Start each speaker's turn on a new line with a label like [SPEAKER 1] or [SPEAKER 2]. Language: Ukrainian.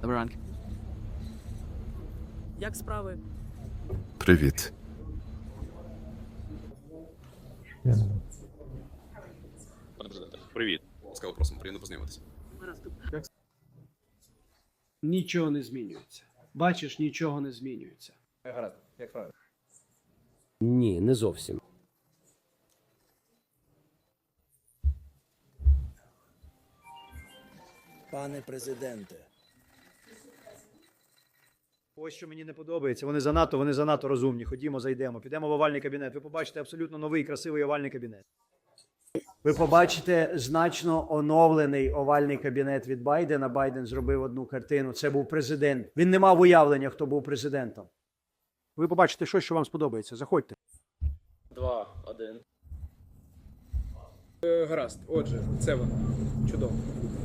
[SPEAKER 1] Доброго ранку.
[SPEAKER 2] Як справи?
[SPEAKER 3] Привіт.
[SPEAKER 4] Пане президенте, привіт. Ласкаво просимо, приємно познайомитися.
[SPEAKER 5] Нічого не змінюється. Бачиш, нічого не змінюється.
[SPEAKER 6] Гаразд, як справи?
[SPEAKER 7] Ні, не зовсім.
[SPEAKER 8] Пане президенте,
[SPEAKER 6] Ось що мені не подобається. Вони занадто розумні. Ходімо, зайдемо. Підемо в овальний кабінет. Ви побачите абсолютно новий, красивий овальний кабінет. Ви побачите значно оновлений овальний кабінет від Байдена. Байден зробив одну картину. Це був президент. Він не мав уявлення, хто був президентом. Ви побачите щось, що вам сподобається. Заходьте.
[SPEAKER 2] 2-1.
[SPEAKER 9] Гаразд. Отже, це воно. Чудово.